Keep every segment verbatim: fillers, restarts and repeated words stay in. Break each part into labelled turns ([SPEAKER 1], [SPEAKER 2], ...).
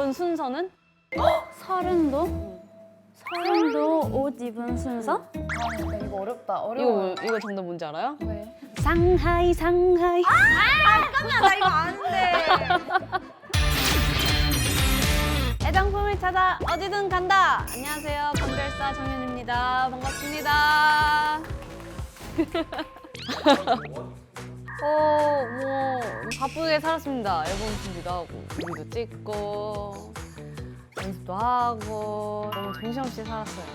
[SPEAKER 1] 입은 순서는?
[SPEAKER 2] 서른도? 서른도 옷 입은 순서?
[SPEAKER 3] 아, 근데 이거 어렵다.
[SPEAKER 1] 이거
[SPEAKER 3] 어려워.
[SPEAKER 1] 이거 정답 뭔지 알아요?
[SPEAKER 3] 왜?
[SPEAKER 2] 상하이 상하이.
[SPEAKER 3] 잠깐만, 나 이거 아는데.
[SPEAKER 1] 애장품을 찾아 어디든 간다. 안녕하세요, 감별사 정현입니다. 반갑습니다. 어, 뭐 바쁘게 살았습니다. 앨범 준비도 하고, 뮤비도 찍고, 연습도 하고 너무 정신없이 살았어요.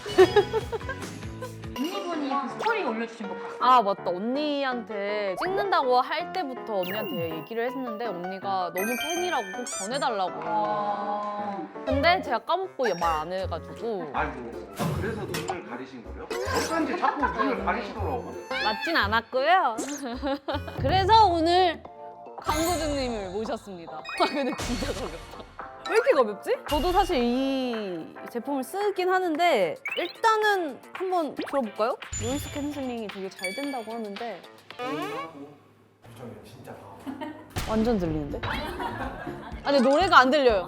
[SPEAKER 4] 언니분이 그 스토리 올려주신 거 봤어요?
[SPEAKER 1] 아 맞다, 언니한테 찍는다고 할 때부터 언니한테 얘기를 했는데 언니가 너무 팬이라고 꼭 전해달라고.
[SPEAKER 4] 아...
[SPEAKER 1] 근데 제가 까먹고 말 안 해가지고.
[SPEAKER 5] 아이고, 아, 그래서 눈을 가리신 거예요? 어쩐지 자꾸 눈을 가리시더라고.
[SPEAKER 1] 맞진 않았고요. 그래서 오늘 광고주님을 모셨습니다. 아 근데 진짜 가볍다. 왜 이렇게 가볍지? 저도 사실 이 제품을 쓰긴 하는데 일단은 한번 들어볼까요? 노이즈 캔슬링이 되게 잘 된다고 하는데
[SPEAKER 5] 진짜.
[SPEAKER 1] 완전 들리는데? 아니 노래가 안 들려요.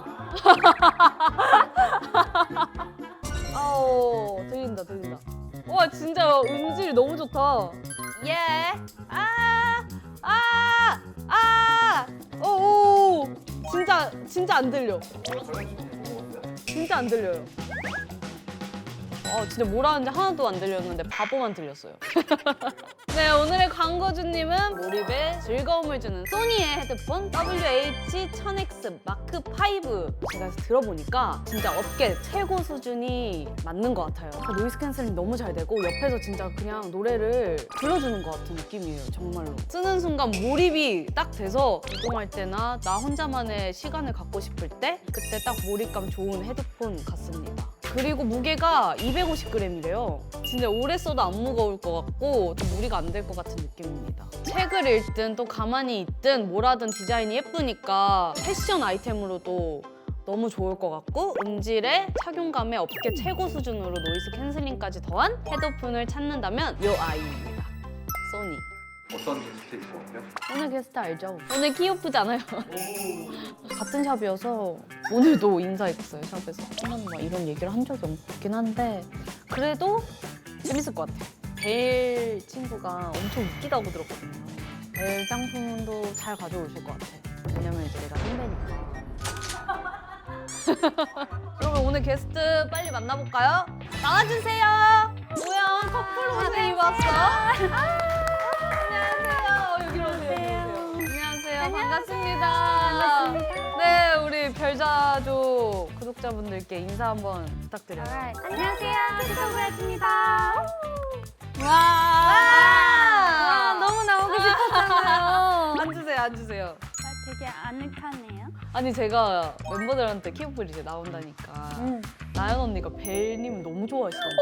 [SPEAKER 1] 아오 들린다 들린다. 와 진짜 음질이 너무 좋다. 예. 아. 아. 아. 오. 진짜 진짜 안 들려. 진짜 안 들려요. 어, 진짜 뭐라 하는지 하나도 안 들렸는데 바보만 들렸어요. 네, 오늘의 광고주님은 몰입에 즐거움을 주는 소니의 헤드폰 더블유 에이치 천 엑스 마크 파이브. 제가 들어보니까 진짜 업계 최고 수준이 맞는 것 같아요. 노이즈 캔슬링 너무 잘 되고 옆에서 진짜 그냥 노래를 불러주는 것 같은 느낌이에요, 정말로. 쓰는 순간 몰입이 딱 돼서 이동할 때나 나 혼자만의 시간을 갖고 싶을 때 그때 딱 몰입감 좋은 헤드폰 같습니다. 그리고 무게가 이백오십 그램이래요. 진짜 오래 써도 안 무거울 것 같고 또 무리가 안 될 것 같은 느낌입니다. 책을 읽든 또 가만히 있든 뭐라든 디자인이 예쁘니까 패션 아이템으로도 너무 좋을 것 같고 음질에 착용감에 업계 최고 수준으로 노이즈 캔슬링까지 더한 헤드폰을 찾는다면 요 아이입니다. 소니.
[SPEAKER 5] 어떤 게스트일 것 같아요?
[SPEAKER 1] 오늘 게스트 알죠? 오늘 키오프잖아요. 같은 샵이어서 오늘도 인사했어요, 샵에서. 한 번도 막 이런 얘기를 한 적이 없긴 한데 그래도 재밌을 것 같아요. 벨 친구가 엄청 웃기다고 들었거든요. 벨 장품도 잘 가져오실 것 같아요. 왜냐면 이제 내가 선배니까. 그러면 오늘 게스트 빨리 만나볼까요? 나와주세요. 뭐야, 커플 옷을 입었어? 안녕하세요. 여기로 오세요. 안녕하세요. 반갑습니다. 반갑습니다. 네, 우리 별자조 구독자분들께 인사 한번 부탁드려요.
[SPEAKER 2] 안녕하세요. 투스토브레드입니다.
[SPEAKER 1] 와,
[SPEAKER 2] 와, 너무 나오고 싶었잖아요.
[SPEAKER 1] 앉으세요, 앉으세요.
[SPEAKER 2] 되게 아늑하네요.
[SPEAKER 1] 아니 제가 멤버들한테 키오플 이제 나온다니까
[SPEAKER 2] 음.
[SPEAKER 1] 나연 언니가 벨님 너무 좋아하시던데.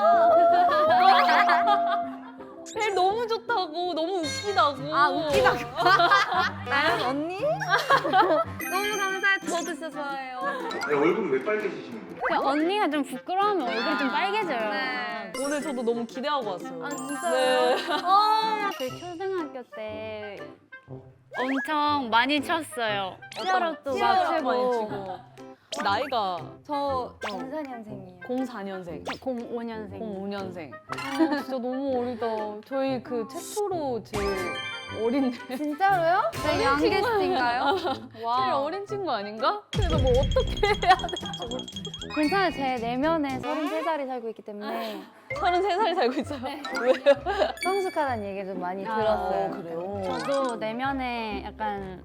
[SPEAKER 1] 벨 너무 좋다고, 너무 웃기다고.
[SPEAKER 2] 아, 웃기다고?
[SPEAKER 3] 나연 언니?
[SPEAKER 2] 너무 감사해요. 저도 진짜 좋아해요.
[SPEAKER 5] 네, 얼굴이 왜 빨개지시는 거예요?
[SPEAKER 2] 그냥 언니가 좀 부끄러우면 얼굴이 좀 빨개져요.
[SPEAKER 3] 네.
[SPEAKER 1] 오늘 저도 너무 기대하고 왔어요.
[SPEAKER 2] 아, 진짜요?
[SPEAKER 1] 네.
[SPEAKER 2] 저희 초등학교 때 엄청 많이 쳤어요. 치어럽도 막
[SPEAKER 1] 치어럽 많이
[SPEAKER 2] 치고.
[SPEAKER 1] 치고. 나이가
[SPEAKER 3] 저 공사년생이에요.
[SPEAKER 1] 공사 년생,
[SPEAKER 2] 공오 년생.
[SPEAKER 1] 공오 년생. 아, 진짜 너무 어리다. 저희 그 최초로 제일 어린
[SPEAKER 3] 진짜로요? 네, 양게스트인가요?
[SPEAKER 1] 제일 어린 친구 아닌가? 그래서 뭐 어떻게 해야 될지 모르
[SPEAKER 2] 괜찮아요. 제 내면에 서른세 살이 살고 있기 때문에
[SPEAKER 1] 서른세 살이 살고 있어요. 왜요?
[SPEAKER 3] 성숙하다는 얘기 좀 많이
[SPEAKER 2] 아,
[SPEAKER 3] 들었어요.
[SPEAKER 1] 그래요?
[SPEAKER 2] 저도 내면에 약간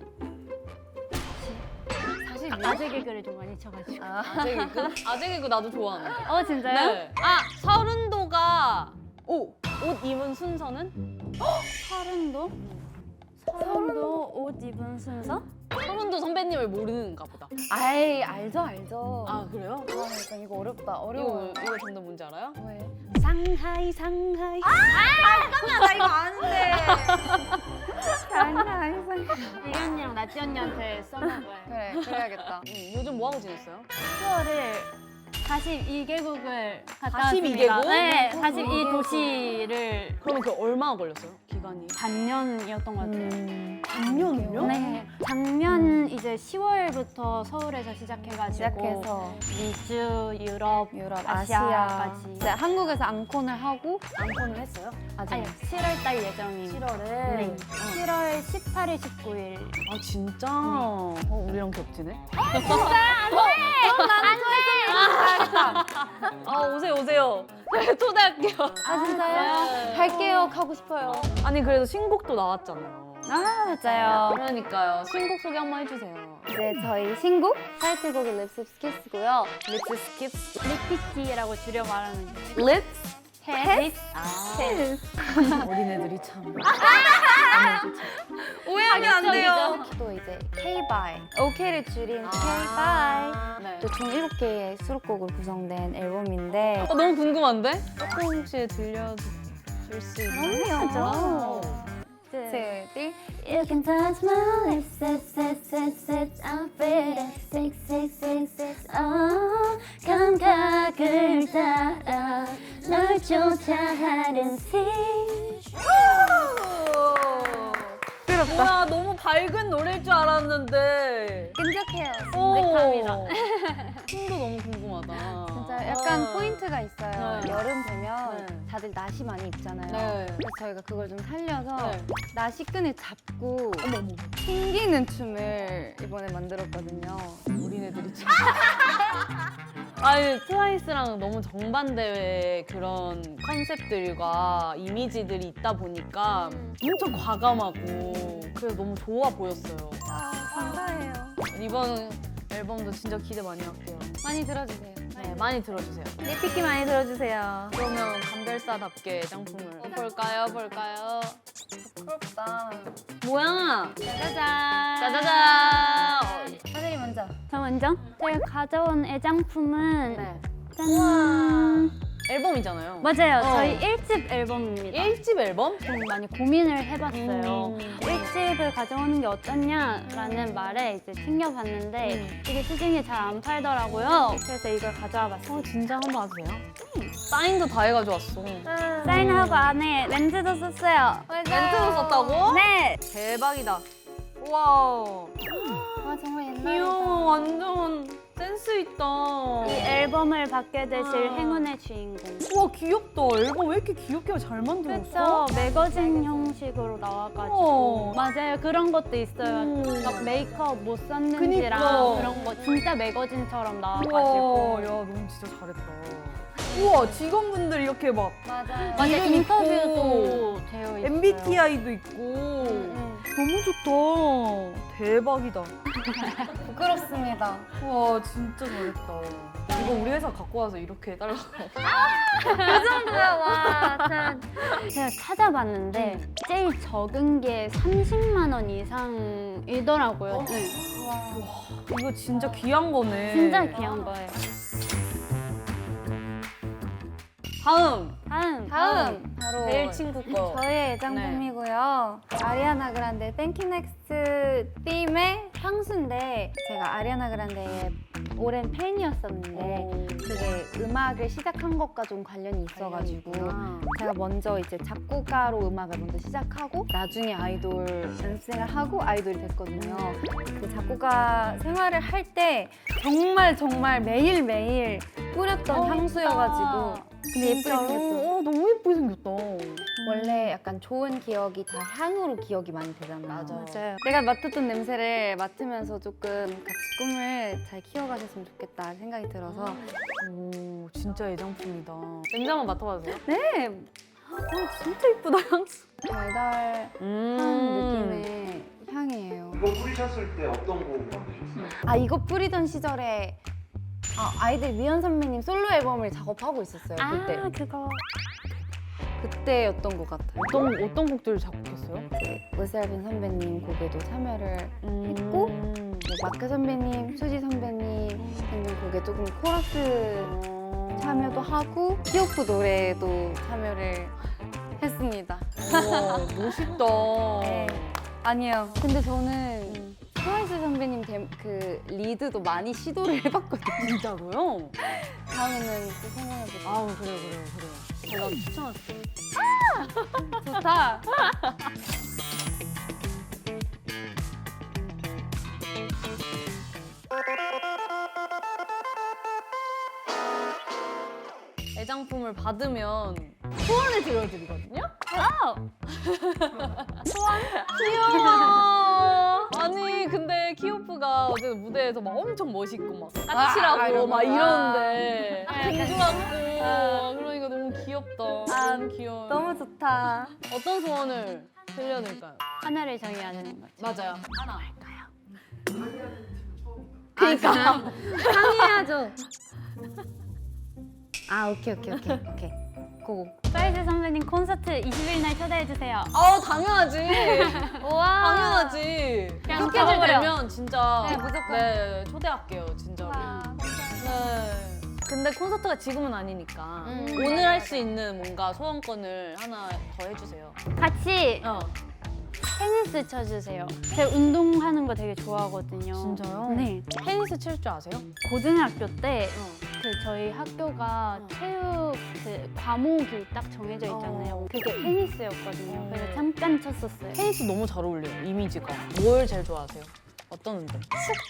[SPEAKER 1] 사실
[SPEAKER 2] 아재 개그를 좀 많이 쳐가지고.
[SPEAKER 1] 아재 개그? 아재 개그 나도 좋아하는데.
[SPEAKER 2] 어 진짜요?
[SPEAKER 1] 네. 아, 서른도가 오! 옷 입은 순서는?
[SPEAKER 2] 서른도? 서른도 옷 입은 순서?
[SPEAKER 1] 서른도 선배님을 모르는가 보다.
[SPEAKER 3] 아이, 알죠, 알죠.
[SPEAKER 1] 아, 그래요?
[SPEAKER 3] 아, 약간 이거 어렵다.
[SPEAKER 1] 이거,
[SPEAKER 3] 어려워요.
[SPEAKER 1] 이거 정답 뭔지 알아요?
[SPEAKER 3] 왜?
[SPEAKER 2] 상하이 상하이.
[SPEAKER 3] 잠깐만, 나 이거 아는데. 아니야, 아니야.
[SPEAKER 2] 이리 언니랑 나찌 언니한테 써먹어요.
[SPEAKER 3] 그래, 그래야겠다.
[SPEAKER 1] 음, 요즘 뭐 하고 지냈어요?
[SPEAKER 2] 투어를 사십이 개국을 갔다
[SPEAKER 1] 사십이
[SPEAKER 2] 왔습니다.
[SPEAKER 1] 개국?
[SPEAKER 2] 네, 사십이 도시를
[SPEAKER 1] 그러면 그 얼마나 걸렸어요? 기간이?
[SPEAKER 2] 반년이었던 것 같아요.
[SPEAKER 1] 반년을요?
[SPEAKER 2] 네, 작년 이제 이제 시월부터 서울에서 시작해가지고
[SPEAKER 3] 시작해서
[SPEAKER 2] 미주, 유럽,
[SPEAKER 3] 유럽,
[SPEAKER 2] 아시아까지.
[SPEAKER 3] 아시아. 이제 한국에서 앙콘을 하고
[SPEAKER 1] 안건을 했어요?
[SPEAKER 3] 아직
[SPEAKER 2] 아니 칠월 달 예정입니다.
[SPEAKER 1] 칠월에.
[SPEAKER 2] 네. 칠월 십팔일, 십구일.
[SPEAKER 1] 아 진짜? 어 우리랑 겹치네. 아 오세요 오세요. 초대할게요.
[SPEAKER 3] 아 진짜요?
[SPEAKER 1] 네.
[SPEAKER 3] 갈게요. 가고 싶어요.
[SPEAKER 1] 아니 그래도 신곡도 나왔잖아요.
[SPEAKER 3] 아 맞아요.
[SPEAKER 1] 그러니까요. 신곡 소개 한번 해주세요.
[SPEAKER 3] 이제 저희 신곡 타이틀곡이 립스 키스고요.
[SPEAKER 1] 립스 스킵.
[SPEAKER 2] 리피티라고 줄여 말하는
[SPEAKER 1] 립스.
[SPEAKER 2] 립.
[SPEAKER 1] 아
[SPEAKER 3] 키스.
[SPEAKER 1] 어린애들이 참.
[SPEAKER 3] 오해하면 안
[SPEAKER 2] 돼요.
[SPEAKER 3] 또 이제 K-by. 오케이를 줄인 K-by.
[SPEAKER 1] 네.
[SPEAKER 3] 또 총 일곱 개의 수록곡으로 구성된 앨범인데
[SPEAKER 1] 어, 너무 궁금한데? 조금씩 들려줄 수 있나요?
[SPEAKER 3] 그럼요.
[SPEAKER 2] 네.
[SPEAKER 3] 둘, 셋.
[SPEAKER 6] You can touch my lips, lips, lips, lips, lips. I'm feeling sick, sick, sick, sick. Oh, 감각을 따라 널 쫓아하는 시.
[SPEAKER 1] 뭐야 너무 밝은 노래일 줄 알았는데.
[SPEAKER 3] 끈적해요.
[SPEAKER 1] 오. 춤도 너무 궁금하다.
[SPEAKER 3] 진짜 약간
[SPEAKER 1] 아.
[SPEAKER 3] 포인트가 있어요.
[SPEAKER 1] 네.
[SPEAKER 3] 여름 되면
[SPEAKER 1] 네.
[SPEAKER 3] 다들 나시 많이 입잖아요.
[SPEAKER 1] 네.
[SPEAKER 3] 그래서 저희가 그걸 좀 살려서
[SPEAKER 1] 네.
[SPEAKER 3] 나시 끈을 잡고
[SPEAKER 1] 어머 어머.
[SPEAKER 3] 튕기는 춤을 이번에 만들었거든요.
[SPEAKER 1] 어린애들이 참. 아니 트와이스랑 너무 정반대의 그런 컨셉들과 이미지들이 있다 보니까 엄청 과감하고 그래서 너무 좋아 보였어요.
[SPEAKER 3] 아, 감사해요.
[SPEAKER 1] 이번 앨범도 진짜 기대 많이 할게요.
[SPEAKER 3] 많이 들어주세요.
[SPEAKER 1] 네, 많이 들어주세요.
[SPEAKER 3] 리피키 많이 들어주세요.
[SPEAKER 1] 그러면 감별사답게 애장품을 볼까요? 볼까요?
[SPEAKER 3] 부끄럽다.
[SPEAKER 1] 뭐야?
[SPEAKER 2] 짜자잔.
[SPEAKER 1] 짜자잔!
[SPEAKER 3] 사진이 먼저.
[SPEAKER 2] 저 먼저? 제가 가져온 애장품은
[SPEAKER 1] 네.
[SPEAKER 2] 짠.
[SPEAKER 1] 앨범이잖아요.
[SPEAKER 2] 맞아요.
[SPEAKER 1] 어.
[SPEAKER 2] 저희 일 집 앨범입니다.
[SPEAKER 1] 일 집 앨범?
[SPEAKER 2] 좀 많이 고민을 해봤어요.
[SPEAKER 1] 음.
[SPEAKER 2] 일 집을 가져오는 게 어떠냐라는 말에 이제 챙겨봤는데
[SPEAKER 1] 음.
[SPEAKER 2] 이게 시중에 잘 안 팔더라고요. 그래서 이걸 가져와 봤어요.
[SPEAKER 1] 어, 진짜 한번 하세요? 사인도 다 해가지고 왔어.
[SPEAKER 2] 사인하고 안에 렌즈도 썼어요.
[SPEAKER 1] 멘트도 썼다고?
[SPEAKER 2] 네.
[SPEAKER 1] 대박이다. 우와.
[SPEAKER 3] 아 정말 옛날에.
[SPEAKER 1] 귀여워. 완전 센스 있다.
[SPEAKER 2] 이 앨범을 받게 되실
[SPEAKER 1] 아.
[SPEAKER 2] 행운의 주인공.
[SPEAKER 1] 우와 귀엽다. 앨범 왜 이렇게 귀엽게 잘 만들었어?
[SPEAKER 2] 그렇죠. 매거진 형식으로 나와가지고
[SPEAKER 1] 어.
[SPEAKER 2] 맞아요. 그런 것도 있어요.
[SPEAKER 1] 음.
[SPEAKER 2] 막 메이크업 못 썼는지랑
[SPEAKER 1] 그니까.
[SPEAKER 2] 그런 거 진짜 매거진처럼
[SPEAKER 1] 우와,
[SPEAKER 2] 나와가지고
[SPEAKER 1] 야 너무 진짜 잘했다. 우와 직원분들 이렇게 막
[SPEAKER 3] 맞아요.
[SPEAKER 2] 맞아요.
[SPEAKER 1] 이름
[SPEAKER 2] 인터뷰도 되어 있어요.
[SPEAKER 1] 엠비티아이도 있고
[SPEAKER 3] 음,
[SPEAKER 1] 너무 좋다. 대박이다.
[SPEAKER 3] 부끄럽습니다.
[SPEAKER 1] 와 진짜 잘했다. 이거 우리 회사 갖고 와서 이렇게 해달라고.
[SPEAKER 3] 정도야 와.
[SPEAKER 2] 제가 찾아봤는데 제일 적은 게 삼십만 원 이상이더라고요. 네.
[SPEAKER 1] 이거 진짜 귀한 거네.
[SPEAKER 2] 진짜 귀한 거예요.
[SPEAKER 1] 다음
[SPEAKER 2] 다음.
[SPEAKER 3] 다음 바로
[SPEAKER 1] 내일 친구 거.
[SPEAKER 3] 저의 애장품이고요. 아리아나 그란데 땡큐넥스트 팀의 향수인데 제가 아리아나 그란데의 오랜 팬이었었는데 그게 음악을 시작한 것과 좀 관련이 있어가지고 제가 먼저 이제 작곡가로 음악을 먼저 시작하고 나중에 아이돌 연습생을 하고 아이돌이 됐거든요. 그 작곡가 생활을 할 때 정말 정말 매일매일 뿌렸던 향수여가지고 근데 예쁘게 생겼죠?
[SPEAKER 1] 어, 너무 예쁘게 생겼다.
[SPEAKER 3] 원래 약간 좋은 기억이 다 향으로 기억이 많이 되잖아요.
[SPEAKER 1] 맞아.
[SPEAKER 3] 내가 맡았던 냄새를 맡으면서 조금 같이 꿈을 잘 키워가셨으면 좋겠다 생각이 들어서
[SPEAKER 1] 오, 진짜 애장품이다. 냄새 한번 맡아봐도 돼요?
[SPEAKER 3] 네!
[SPEAKER 1] 어, 진짜 예쁘다, 향수.
[SPEAKER 3] 달달한
[SPEAKER 1] 음.
[SPEAKER 3] 느낌의 향이에요.
[SPEAKER 5] 이거 뿌리셨을 때 어떤 곡 만드셨어요?
[SPEAKER 3] 아 이거 뿌리던 시절에 아, 아이들 미연 선배님 솔로 앨범을 작업하고 있었어요. 그때.
[SPEAKER 2] 아 그거.
[SPEAKER 3] 그때였던 것 같아요.
[SPEAKER 1] 어떤, 어떤 곡들을 작곡했어요?
[SPEAKER 3] 으셀빈 선배님 곡에도 참여를
[SPEAKER 1] 음.
[SPEAKER 3] 했고 뭐 마크 선배님, 수지 선배님 등등 곡에 조금 코러스 참여도 하고 히오프 노래에도 참여를 했습니다.
[SPEAKER 1] 우와, 멋있다.
[SPEAKER 3] 네. 아니요. 근데 저는 트와이스 선배님 데- 그 리드도 많이 시도를 해봤거든요.
[SPEAKER 1] 진짜로요?
[SPEAKER 3] 다음에는 또 생각해보자.
[SPEAKER 1] 아우, 그래요, 그래요, 그래요. 제가 추천할게요.
[SPEAKER 3] 좋다.
[SPEAKER 1] 애장품을 받으면 소원을 들려드리거든요?
[SPEAKER 2] 소원?
[SPEAKER 1] 귀여워. 아니 근데 키오프가 어제 무대에서 막 엄청 멋있고 막 까칠하고 막 이러는데 공주같고 그러니까 너무 귀엽다. 너무 귀여워.
[SPEAKER 3] 너무 좋다.
[SPEAKER 1] 어떤 소원을 들려드릴까요?
[SPEAKER 2] 하나를 정해야 되는 거죠.
[SPEAKER 1] 맞아요. 하나.
[SPEAKER 3] 그러니까 상의해야죠. 아 오케이 오케이 오케이 오케이. 고고.
[SPEAKER 2] 사이즈 선배님 콘서트 이십 일 날 초대해 주세요.
[SPEAKER 1] 아 당연하지.
[SPEAKER 2] 우와.
[SPEAKER 1] 당연하지.
[SPEAKER 2] 그냥
[SPEAKER 1] 스케줄
[SPEAKER 2] 적어버려.
[SPEAKER 1] 되면 진짜
[SPEAKER 3] 네, 무조건.
[SPEAKER 1] 네 초대할게요 진짜로.
[SPEAKER 3] 와,
[SPEAKER 1] 네. 근데 콘서트가 지금은 아니니까
[SPEAKER 3] 음.
[SPEAKER 1] 오늘 할 수 있는 뭔가 소원권을 하나 더 해주세요.
[SPEAKER 2] 같이
[SPEAKER 1] 어.
[SPEAKER 2] 테니스 쳐주세요. 제가 운동하는 거 되게 좋아하거든요.
[SPEAKER 1] 진짜요?
[SPEAKER 2] 네.
[SPEAKER 1] 테니스 칠 줄 아세요?
[SPEAKER 2] 고등학교 때
[SPEAKER 1] 어.
[SPEAKER 2] 그 저희 학교가
[SPEAKER 1] 어.
[SPEAKER 2] 체육 그 과목이 딱 정해져 있잖아요.
[SPEAKER 1] 어.
[SPEAKER 2] 그게 테니스였거든요.
[SPEAKER 1] 어.
[SPEAKER 2] 그래서 잠깐 쳤었어요.
[SPEAKER 1] 테니스 너무 잘 어울려요 이미지가. 뭘 제일 좋아하세요? 어떤 운동?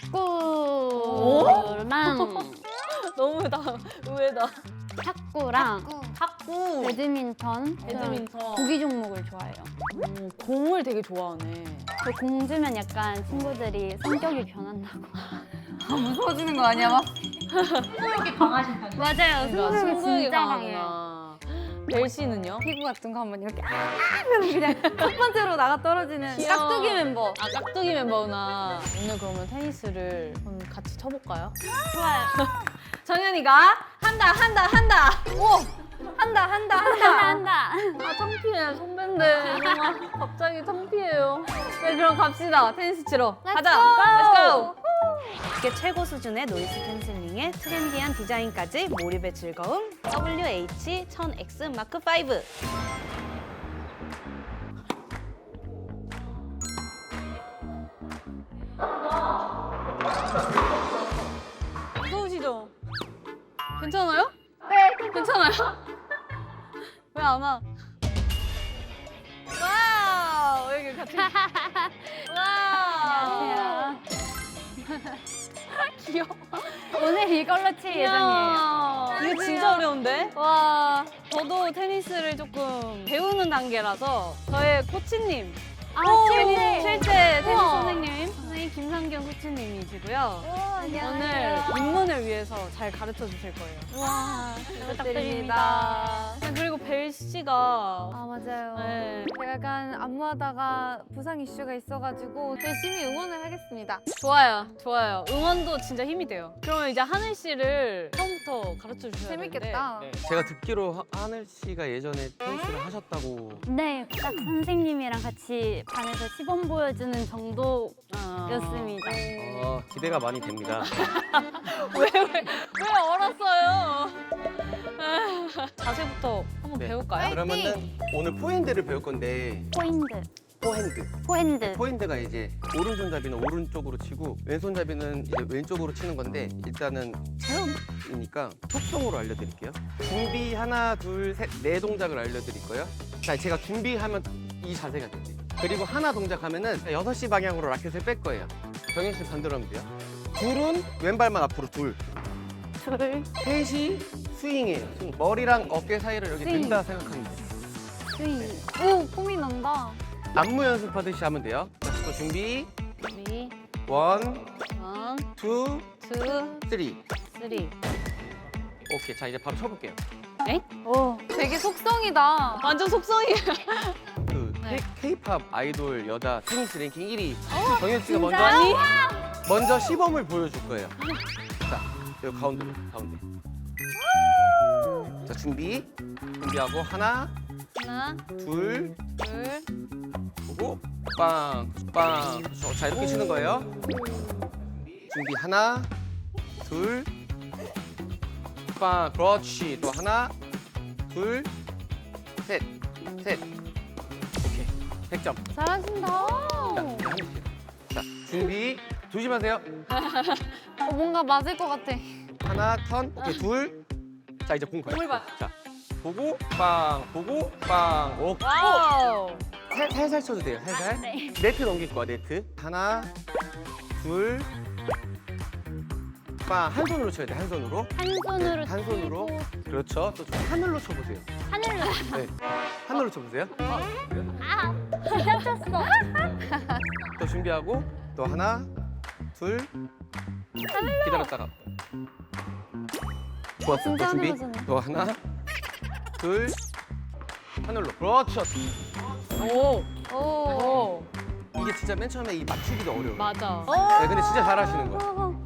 [SPEAKER 2] 축구랑
[SPEAKER 1] 너무 다 의외다.
[SPEAKER 2] 탁구랑
[SPEAKER 1] 탁구,
[SPEAKER 2] 배드민턴,
[SPEAKER 1] 배드민턴.
[SPEAKER 2] 구기 종목을 좋아해요.
[SPEAKER 1] 오, 공을 되게 좋아하네.
[SPEAKER 2] 저 공 주면 약간 친구들이 성격이 변한다고.
[SPEAKER 3] 무서워지는 거 아니야 막?
[SPEAKER 4] 승부욕이 강하신 편이에요.
[SPEAKER 2] 맞아요.
[SPEAKER 1] 그러니까
[SPEAKER 2] 승부욕이
[SPEAKER 1] 승부욕이
[SPEAKER 2] 진짜 강해요.
[SPEAKER 1] 강하구나. 벨 씨는요?
[SPEAKER 3] 피구 같은 거 한번 이렇게 아 하면 그냥 첫 번째로 나가 떨어지는
[SPEAKER 1] 귀여워.
[SPEAKER 3] 깍두기 멤버.
[SPEAKER 1] 아 깍두기 멤버구나. 오늘 그러면 테니스를 그럼 같이 쳐볼까요?
[SPEAKER 2] 좋아요.
[SPEAKER 1] 정연이가 한다 한다 한다.
[SPEAKER 3] 오 한다 한다 한다.
[SPEAKER 2] 한다 한다.
[SPEAKER 1] 아 창피해 선배인데 정말 갑자기 창피해요. 네 그럼 갑시다 테니스 치러 가자. Let's go.
[SPEAKER 7] 이게 최고 수준의 노이즈 캔슬링에 트렌디한 디자인까지 몰입의 즐거움 더블유 에이치 천 엑스 마크 파이브.
[SPEAKER 1] 무서우시죠? 괜찮아요? 네. 괜찮아요? 왜 안 와? 와우 여기 같이. 와우.
[SPEAKER 2] 안녕하세요.
[SPEAKER 1] 귀여워.
[SPEAKER 2] 오늘 이걸로 칠 예정이에요.
[SPEAKER 1] 이거 진짜 어려운데? 와, 저도 테니스를 조금 배우는 단계라서 저의 코치님.
[SPEAKER 2] 아,
[SPEAKER 1] 오,
[SPEAKER 2] 실제.
[SPEAKER 1] 실제 테니스
[SPEAKER 2] 우와.
[SPEAKER 1] 선생님, 선생님 김상경 코치님이시고요. 오늘
[SPEAKER 3] 안녕하세요.
[SPEAKER 1] 입문을 위해서 잘 가르쳐 주실 거예요.
[SPEAKER 2] 와,
[SPEAKER 1] 부탁드립니다. 그리고 벨 씨가
[SPEAKER 3] 아 맞아요.
[SPEAKER 1] 네.
[SPEAKER 3] 제가 약간 안무하다가 부상 이슈가 있어가지고 열심히 응원을 하겠습니다.
[SPEAKER 1] 좋아요, 좋아요. 응원도 진짜 힘이 돼요. 그러면 이제 하늘 씨를 처음부터 가르쳐 주셔야 되는데.
[SPEAKER 3] 재밌겠다.
[SPEAKER 5] 제가 듣기로 하- 하늘 씨가 예전에 테니스를 하셨다고.
[SPEAKER 2] 네, 딱 선생님이랑 같이 반에서 시범 보여주는 정도였습니다.
[SPEAKER 1] 아.
[SPEAKER 5] 어, 기대가 많이 됩니다.
[SPEAKER 1] 왜, 왜, 왜 얼었어요? 아, 자세부터 한번
[SPEAKER 5] 네.
[SPEAKER 1] 배울까요?
[SPEAKER 5] 그러면은 오늘 포핸드를 배울 건데
[SPEAKER 2] 포인트,
[SPEAKER 5] 포핸드.
[SPEAKER 2] 포핸드.
[SPEAKER 5] 포핸드가 이제 오른손잡이는 오른쪽으로 치고 왼손잡이는 이제 왼쪽으로 치는 건데 일단은 체험이니까 속성으로 알려드릴게요. 준비 하나 둘 셋 네 동작을 알려드릴 거예요. 자 제가 준비하면 이 자세가 돼요. 그리고 하나 동작하면은 여섯 시 방향으로 라켓을 뺄 거예요. 정현 씨 반대로 하면 돼요. 둘은 왼발만 앞으로 둘.
[SPEAKER 2] 둘,
[SPEAKER 5] 셋이 스윙이에요. 스윙. 머리랑 어깨 사이를 이렇게
[SPEAKER 2] 스윙.
[SPEAKER 5] 든다 생각하면 돼요.
[SPEAKER 2] 스윙.
[SPEAKER 3] 오 폼이 난다.
[SPEAKER 5] 안무 연습하듯이 하면 돼요. 자, 또 준비.
[SPEAKER 1] 준비,
[SPEAKER 5] 원,
[SPEAKER 1] 원,
[SPEAKER 5] 투,
[SPEAKER 1] 투,
[SPEAKER 5] 쓰리.
[SPEAKER 1] 쓰리.
[SPEAKER 5] 오케이. 자 이제 바로 쳐볼게요.
[SPEAKER 2] 오,
[SPEAKER 3] 되게 속성이다.
[SPEAKER 1] 완전 속성이에요.
[SPEAKER 5] 그
[SPEAKER 1] 네.
[SPEAKER 5] K-팝 아이돌 여자 테니스 랭킹 일 위 정현 씨가 먼저
[SPEAKER 1] 아니?
[SPEAKER 5] 먼저 시범을 보여줄 거예요. 자, 여기 가운데로 가운데. 자 준비 준비하고 하나,
[SPEAKER 1] 하나,
[SPEAKER 5] 둘,
[SPEAKER 1] 둘,
[SPEAKER 5] 보고 빵, 빵. 저- 자 이렇게 치는 거예요. 준비 하나, 둘, 빵. 그렇지. 또 하나, 둘, 셋, 셋. 오케이. 백 점.
[SPEAKER 3] 잘하신다.
[SPEAKER 5] 자, 이제 하늘 씨. 자, 준비. 조심하세요.
[SPEAKER 3] 어, 뭔가 맞을 것 같아.
[SPEAKER 5] 하나, 턴. 오케이, 둘. 자, 이제 공 봐요.
[SPEAKER 1] 공을 봐.
[SPEAKER 5] 자, 보고, 빵, 보고, 빵. 오,
[SPEAKER 1] 와우.
[SPEAKER 5] 살, 살살 쳐도 돼요, 살살.
[SPEAKER 2] 네.
[SPEAKER 5] 네트 넘길 거야, 네트. 하나, 둘, 빵 한 손으로 쳐야 돼. 한 손으로.
[SPEAKER 2] 한 손으로
[SPEAKER 5] 네, 한 손으로.
[SPEAKER 2] 치고
[SPEAKER 5] 그렇죠. 또 좀 하늘로 쳐보세요.
[SPEAKER 2] 하늘로.
[SPEAKER 5] 네. 하늘로 쳐보세요.
[SPEAKER 2] 아, 다쳤어.
[SPEAKER 5] 또 준비하고 또 하나, 둘. 기다렸다가. 좋았어. 또
[SPEAKER 3] 진짜
[SPEAKER 5] 준비.
[SPEAKER 3] 하늘로잖아.
[SPEAKER 5] 또 하나, 둘. 하늘로. 그렇죠.
[SPEAKER 1] 오.
[SPEAKER 3] 오.
[SPEAKER 1] 오.
[SPEAKER 5] 이게 진짜 맨 처음에 이 맞추기가 어려워요.
[SPEAKER 1] 맞아.
[SPEAKER 5] 네, 근데 진짜 잘하시는 거예요.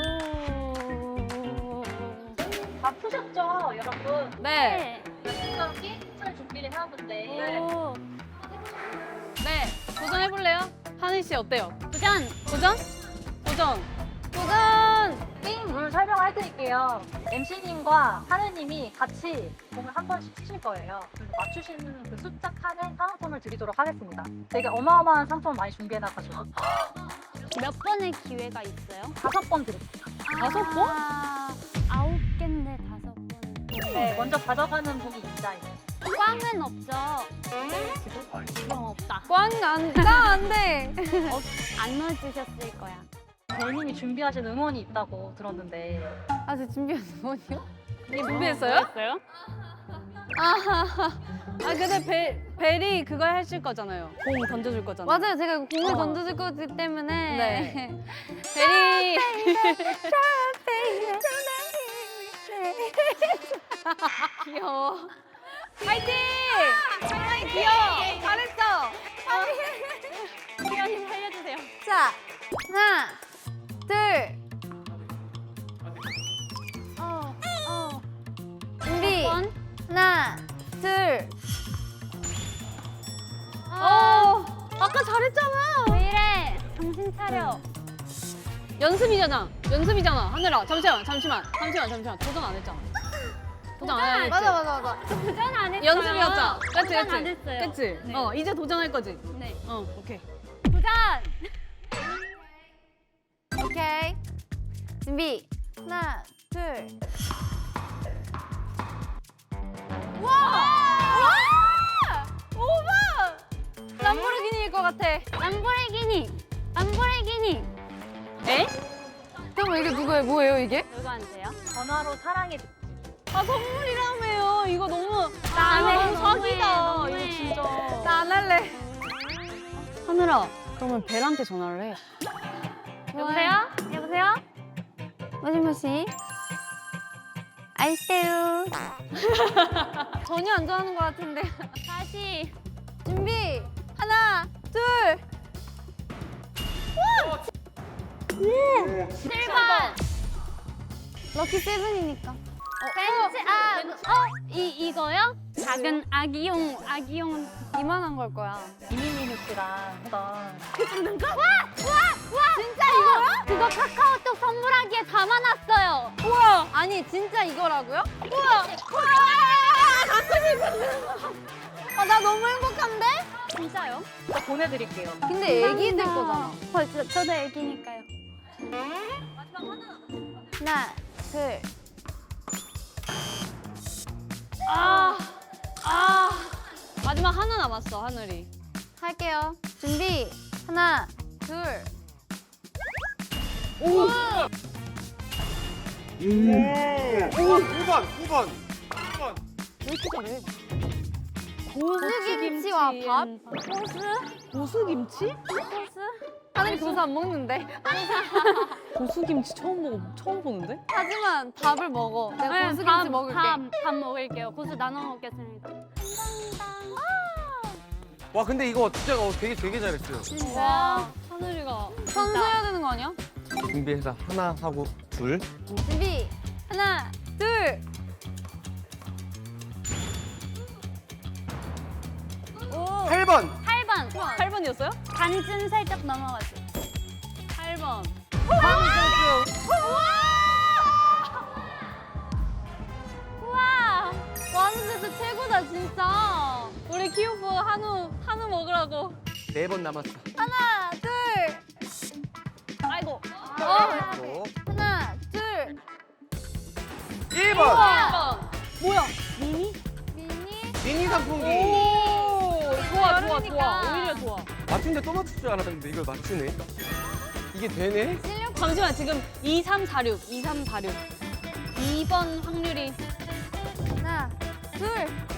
[SPEAKER 4] 다 푸셨죠, 여러분?
[SPEAKER 1] 네.
[SPEAKER 4] 여기까지 잘 준비를 해왔는데
[SPEAKER 2] 오.
[SPEAKER 1] 네. 도전해볼래요? 하늘 씨 어때요?
[SPEAKER 2] 도전.
[SPEAKER 1] 도전? 도전.
[SPEAKER 3] 도전!
[SPEAKER 4] 게임 룰 설명을 해드릴게요. 엠씨님과 하느님이 같이 공을 한 번씩 치실 거예요. 그래서 맞추시는 그 숫자 칸에 상품을 드리도록 하겠습니다. 되게 어마어마한 상품 많이 준비해놔가지고
[SPEAKER 2] 몇 번의 기회가 있어요?
[SPEAKER 4] 다섯 번 드릴게요.
[SPEAKER 1] 다섯 번?
[SPEAKER 2] 아, 아홉 개인데 다섯 번.
[SPEAKER 4] 네, 먼저 가져가는 분이 있자예요.
[SPEAKER 2] 꽝은 없죠? 그럼 없다.
[SPEAKER 3] 꽝안 까, 안 돼.
[SPEAKER 2] 어, 안 넣어주셨을 거야.
[SPEAKER 4] 배님이 준비하신 응원이 있다고 들었는데
[SPEAKER 3] 아, 저 준비했어, 뭐요?
[SPEAKER 1] 준비했어요?
[SPEAKER 2] 했어요?
[SPEAKER 1] 아 근데 벨, 벨이 그걸 하실 거잖아요. 공 던져줄 거잖아요.
[SPEAKER 3] 맞아요. 제가 이거 공을
[SPEAKER 1] 어.
[SPEAKER 3] 던져줄 거기 때문에.
[SPEAKER 1] 네. 벨이 귀여워. 파이팅! 파이팅! 귀여워. 잘했어.
[SPEAKER 2] 수연님 살려주세요.
[SPEAKER 3] 자, 하나, 둘,
[SPEAKER 2] 어, 어.
[SPEAKER 3] 준비.
[SPEAKER 2] 번.
[SPEAKER 3] 하나, 둘.
[SPEAKER 1] 어. 아까 잘했잖아.
[SPEAKER 2] 왜 이래? 정신 차려.
[SPEAKER 1] 연습이잖아. 연습이잖아. 하늘아. 잠시만. 잠시만. 잠시만. 잠시만. 도전 안 했잖아. 도전 안 했지.
[SPEAKER 3] 맞아, 맞아, 맞아.
[SPEAKER 2] 도전 안 했어요.
[SPEAKER 1] 연습이었잖아. 그치,
[SPEAKER 2] 도전
[SPEAKER 1] 그치.
[SPEAKER 2] 안 했어요.
[SPEAKER 1] 그치?
[SPEAKER 2] 네.
[SPEAKER 1] 어, 이제 도전할 거지?
[SPEAKER 2] 네.
[SPEAKER 1] 어, 오케이.
[SPEAKER 2] 도전!
[SPEAKER 3] 오케이. 준비. 하나, 둘. 와! 와! 오바! 람보르기니일 것 같아.
[SPEAKER 2] 람보르기니! 람보르기니!
[SPEAKER 1] 에?
[SPEAKER 3] 그럼 이게 누구예요? 뭐예요, 이게?
[SPEAKER 2] 누구한테요?
[SPEAKER 4] 전화로 사랑해
[SPEAKER 1] 아, 선물이라며요. 이거 너무.
[SPEAKER 2] 나
[SPEAKER 1] 이거
[SPEAKER 2] 안 해.
[SPEAKER 1] 너무 사기다.
[SPEAKER 2] 너무해,
[SPEAKER 1] 이거 진짜.
[SPEAKER 3] 나 안 할래.
[SPEAKER 1] 하늘아, 그러면 벨한테 전화를 해.
[SPEAKER 2] 여보세요? 여보세요?
[SPEAKER 3] 모시모시. 아이세요. 전혀 안 좋아하는 것 같은데.
[SPEAKER 2] 다시.
[SPEAKER 3] 준비. 하나, 둘.
[SPEAKER 2] 칠 번!
[SPEAKER 3] 럭키 세븐이니까.
[SPEAKER 2] 벤츠, 아, 어? 이, 이거요? 작은 아기용, 아기용.
[SPEAKER 3] 이만한 걸 거야.
[SPEAKER 4] 이민희 씨랑 했던
[SPEAKER 2] 진짜 이거요? 그거 카카오톡 선물하기에 담아놨어요.
[SPEAKER 3] 우와! 아니, 진짜 이거라고요? 우와! 아, 나 너무 행복한데?
[SPEAKER 2] 진짜요?
[SPEAKER 4] 저 보내드릴게요.
[SPEAKER 3] 근데 애기들 거잖아.
[SPEAKER 2] 어, 저, 저도 애기니까요.
[SPEAKER 3] 하나, 둘.
[SPEAKER 1] 아, 아. 마지막 하나 남았어, 하늘이.
[SPEAKER 3] 할게요. 준비. 하나, 둘.
[SPEAKER 5] 오! 오! 구 번, 구 번. 구 번.
[SPEAKER 1] 왜 이렇게 잘해?
[SPEAKER 3] 고수김치와 밥?
[SPEAKER 1] 고수김치?
[SPEAKER 3] 하늘이 고수 안 먹는데.
[SPEAKER 1] 고수김치 처음 보고 처음 보는데?
[SPEAKER 3] 하지만 밥을 먹어. 내가
[SPEAKER 2] 네,
[SPEAKER 3] 고수김치
[SPEAKER 2] 밥,
[SPEAKER 3] 먹을게.
[SPEAKER 2] 밥, 밥 먹을게요. 고수 나눠 먹겠습니다.
[SPEAKER 5] 와, 근데 이거 진짜 어, 되게 되게 잘했어요.
[SPEAKER 1] 와, 하늘이가.
[SPEAKER 3] 선수해야 되는 거 아니야?
[SPEAKER 5] 준비해서 하나 하고 둘.
[SPEAKER 3] 준비. 하나, 둘.
[SPEAKER 5] 팔 번.
[SPEAKER 2] 팔 번.
[SPEAKER 1] 팔 번이었어요?
[SPEAKER 2] 반쯤 살짝 넘어가죠.
[SPEAKER 1] 팔 번.
[SPEAKER 2] 우와!
[SPEAKER 3] 완전 최고다, 진짜.
[SPEAKER 1] 우리 키오프 한우, 한우 먹으라고.
[SPEAKER 5] 네 번 남았어.
[SPEAKER 3] 하나, 둘.
[SPEAKER 1] 아이고.
[SPEAKER 3] 어.
[SPEAKER 5] 또
[SPEAKER 3] 하나, 둘.
[SPEAKER 5] 일 번.
[SPEAKER 1] 일 번. 뭐야?
[SPEAKER 2] 미니?
[SPEAKER 3] 미니.
[SPEAKER 5] 미니 선풍기.
[SPEAKER 1] 오, 좋아, 좋아,
[SPEAKER 3] 여름이니까.
[SPEAKER 1] 좋아. 오히려 좋아.
[SPEAKER 5] 맞춘데 또 맞출 줄 알았는데 이걸 맞추네. 이게 되네?
[SPEAKER 3] 실력
[SPEAKER 1] 잠시만 지금 이삼사육, 이삼사육. 이 번 확률이
[SPEAKER 3] 하나, 둘.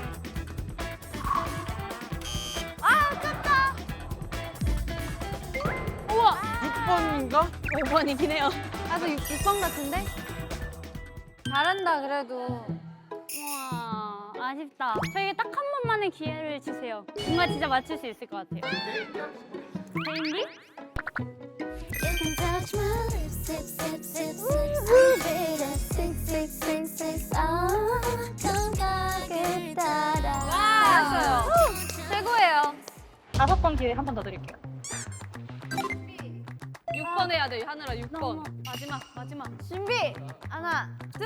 [SPEAKER 5] 육 번인가?
[SPEAKER 1] 오 번이긴 해요.
[SPEAKER 3] 나도 육 번 같은데? 잘한다 그래도.
[SPEAKER 2] 우와, 아쉽다. 저에게 딱 한 번만의 기회를 주세요. 뭔가 진짜 맞출 수 있을 것 같아요. 개인기?
[SPEAKER 6] You can touch my lips, lips, lips, lips, lips. I'm afraid of six, six, six, six. 어, 감각을 따라.
[SPEAKER 3] 잘했어요. 최고예요.
[SPEAKER 4] 다섯 번 기회 한 번 더 드릴게요.
[SPEAKER 1] 육 번 해야 돼 하늘아 육 번.
[SPEAKER 2] 너무-
[SPEAKER 1] 마지막 마지막.
[SPEAKER 3] 준비. 하나, 둘.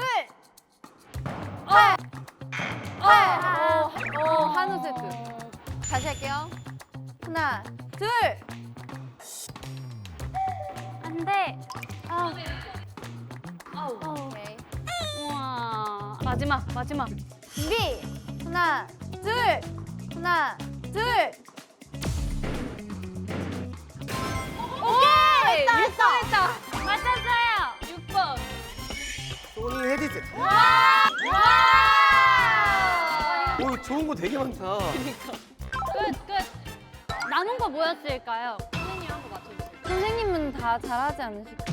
[SPEAKER 1] 어,
[SPEAKER 3] 어, 어, 한우 세트. 다시 할게요. 하나, 둘.
[SPEAKER 2] 안 돼. 아,
[SPEAKER 3] 오케이.
[SPEAKER 2] 우와.
[SPEAKER 1] 마지막 마지막.
[SPEAKER 3] 준비. 하나, 둘. 하나, 둘. 오케이. 했다, 했다, 했다.
[SPEAKER 2] 맞췄어요.
[SPEAKER 1] 육 번.
[SPEAKER 5] 소니 헤드셋. 오, 좋은 거 되게 많다.
[SPEAKER 2] 끝, 끝. 남은 거 뭐였을까요?
[SPEAKER 1] 선생님 한 거 맞춰주세요.
[SPEAKER 3] 선생님은 다 잘하지 않으실까요?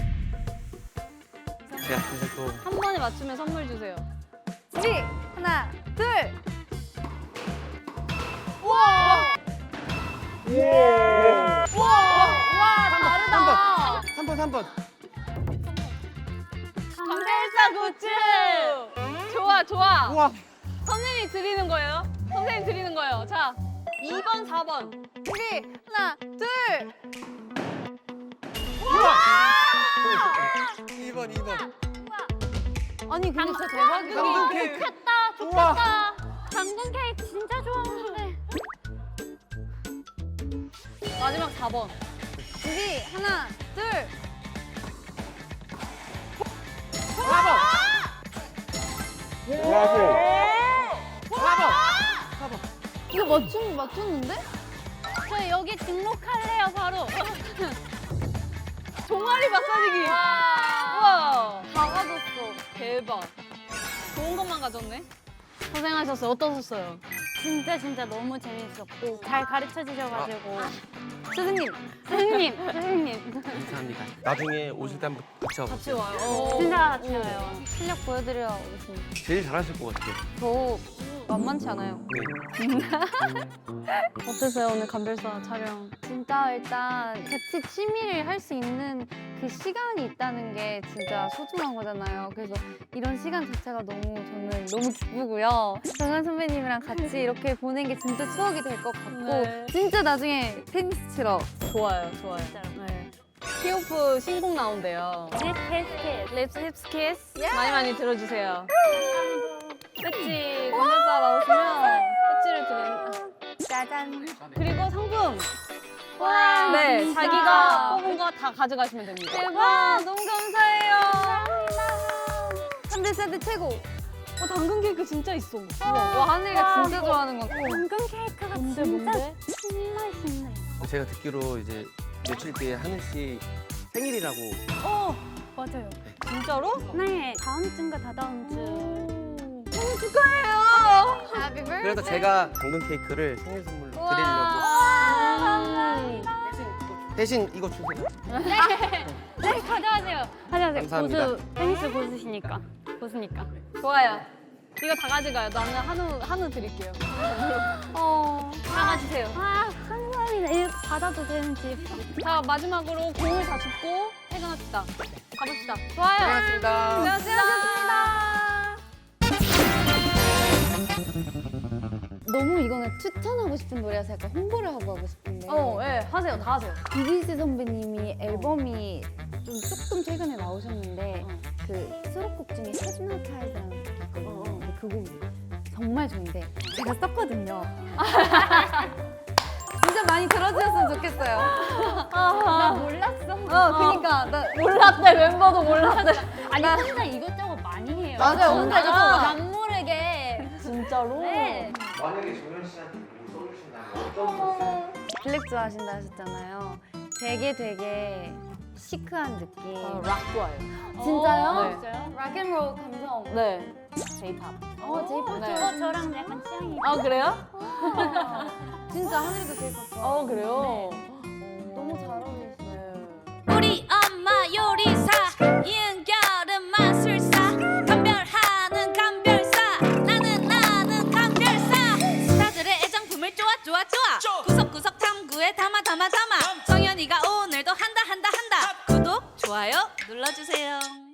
[SPEAKER 5] 제가 사실 또
[SPEAKER 1] 한 번에 맞추면 선물 주세요.
[SPEAKER 3] 준비. 하나, 둘. 와, 다르다.
[SPEAKER 5] 삼 번, 삼 번.
[SPEAKER 1] 감별사 굿즈. 좋아 좋아.
[SPEAKER 5] 우와.
[SPEAKER 1] 선생님이 드리는 거예요. 선생님 드리는 거예요. 자, 이 번, 사 번.
[SPEAKER 3] 준비. 하나, 둘.
[SPEAKER 5] 이 번, 이 번.
[SPEAKER 3] 아니, 근데 진짜
[SPEAKER 2] 당근
[SPEAKER 3] 대박이다.
[SPEAKER 5] 케이크.
[SPEAKER 2] 좋겠다,
[SPEAKER 5] 우와.
[SPEAKER 2] 좋겠다. 당근 케이크 진짜 좋아하는데.
[SPEAKER 1] 마지막 사 번.
[SPEAKER 3] 준비. 하나, 둘. 이거 맞춘, 맞췄는데?
[SPEAKER 2] 저 여기 등록할래요, 바로.
[SPEAKER 1] 종아리 마사지기. 우와.
[SPEAKER 3] 다 가졌어.
[SPEAKER 1] 대박. 좋은 것만 가졌네. 고생하셨어요. 어떠셨어요?
[SPEAKER 2] 진짜 진짜 너무 재밌었고 잘 가르쳐 주셔가지고
[SPEAKER 3] 선생님.
[SPEAKER 2] 선생님, 선생님
[SPEAKER 5] 감사합니다. 나중에 오실 때 한번 같이 와보세요.
[SPEAKER 1] 같이 와요. 어.
[SPEAKER 2] 진짜 같이 와요.
[SPEAKER 3] 실력 보여드려 오겠습니다.
[SPEAKER 5] 제일 잘하실 것 같아요.
[SPEAKER 3] 저 만만치 않아요.
[SPEAKER 5] 네.
[SPEAKER 1] 어땠어요 오늘 감별사 촬영?
[SPEAKER 3] 진짜 일단 같이 취미를 할 수 있는 그 시간이 있다는 게 진짜 소중한 거잖아요. 그래서 이런 시간 자체가 너무 저는 너무 기쁘고요. 정한 선배님이랑 같이 이렇게 보낸 게 진짜 추억이 될 것 같고
[SPEAKER 1] 네.
[SPEAKER 3] 진짜 나중에 테니스 치러
[SPEAKER 1] 좋아요, 좋아요. 네. 키오프 신곡 나온대요.
[SPEAKER 2] 캐스켓
[SPEAKER 1] 립스 힙스 키스 많이 많이 들어주세요. 배지 감별사 나오시면 배지를 드리는.
[SPEAKER 3] 짜잔.
[SPEAKER 1] 그리고 상품.
[SPEAKER 3] 와,
[SPEAKER 1] 네,
[SPEAKER 3] 진짜.
[SPEAKER 1] 자기가 뽑은 거 다 가져가시면 됩니다.
[SPEAKER 3] 대박. 너무 감사해요. 삼 대 세트 최고.
[SPEAKER 1] 어, 당근 케이크 진짜 있어.
[SPEAKER 3] 와, 하늘이가 진짜 좋아하는 거.
[SPEAKER 2] 당근 케이크가
[SPEAKER 1] 뭔데,
[SPEAKER 2] 진짜
[SPEAKER 1] 뭔데?
[SPEAKER 2] 정말 신나요.
[SPEAKER 5] 제가 듣기로 이제 며칠 뒤에 하늘 씨 생일이라고.
[SPEAKER 2] 어, 맞아요.
[SPEAKER 1] 진짜로?
[SPEAKER 2] 네, 다음 주인가 다다음 주.
[SPEAKER 1] 생일 축하해요.
[SPEAKER 3] Happy birthday.
[SPEAKER 5] 그래서 제가 당근 케이크를 생일 선물로 드리려고.
[SPEAKER 1] 음.
[SPEAKER 5] 대신 이거 주세요.
[SPEAKER 2] 네, 가져가세요. 가져가세요.
[SPEAKER 5] 감사합니다.
[SPEAKER 2] 고수, 테니스 고수시니까. 고수니까.
[SPEAKER 1] 좋아요. 이거 다 가져가요. 나는 한우 한우 드릴게요.
[SPEAKER 3] 어.
[SPEAKER 1] 다 가지세요.
[SPEAKER 2] 아, 감사합니다. 이거 받아도 되는지.
[SPEAKER 1] 자 마지막으로 공을 다 줍고 퇴근합시다. 가봅시다.
[SPEAKER 3] 좋아요.
[SPEAKER 5] 고맙습니다.
[SPEAKER 3] 고생하셨습니다. 너무 이거는 추천하고 싶은 노래라서 약간 홍보를 하고 하고 싶은데.
[SPEAKER 1] 어, 예, 하세요. 다 하세요.
[SPEAKER 3] 비비씨 선배님이 앨범이 좀 조금 최근에 나오셨는데 그 수록곡 중에 Hypnotize라는 곡이 있거든요. 근데 그 곡이 정말 좋은데 제가 썼거든요. 진짜 많이 들어주셨으면 좋겠어요. 나 몰랐어. 어, 그니까 나
[SPEAKER 1] 몰랐대 멤버도 몰랐대.
[SPEAKER 2] 아니, 혼자 이것저것 많이 해요.
[SPEAKER 3] 맞아요. 혼자
[SPEAKER 2] 저도
[SPEAKER 3] 이것저것.
[SPEAKER 2] 남 모르게.
[SPEAKER 1] 진짜로?
[SPEAKER 2] 네.
[SPEAKER 5] 만약에 정현 씨한테 뭐 써주신다면 어떤 거 써요?
[SPEAKER 3] 블랙 좋아하신다 하셨잖아요. 되게 되게 시크한 느낌.
[SPEAKER 1] 아, 락 좋아해요.
[SPEAKER 3] 진짜요?
[SPEAKER 1] 네.
[SPEAKER 2] 진짜요?
[SPEAKER 3] 락앤롤 감성.
[SPEAKER 1] 네. J-pop.
[SPEAKER 3] 어, 제이팝
[SPEAKER 1] 네.
[SPEAKER 2] 어, 저랑 약간 취향이.
[SPEAKER 1] 아 그래요?
[SPEAKER 3] 진짜 하늘도 제이팝 좋아.
[SPEAKER 1] 어 그래요.
[SPEAKER 3] 너무 잘 어울리시네.
[SPEAKER 6] 우리 엄마 요리사 이은결은 마술사 감별하는 감별사 나는 나는 감별사 스타들의 애정품을 쪼아 쪼아 쪼아 구석구석 탐구에 담아 담아 담아 정연이가 오늘도 한다 한다 한다 구독 좋아요 눌러주세요.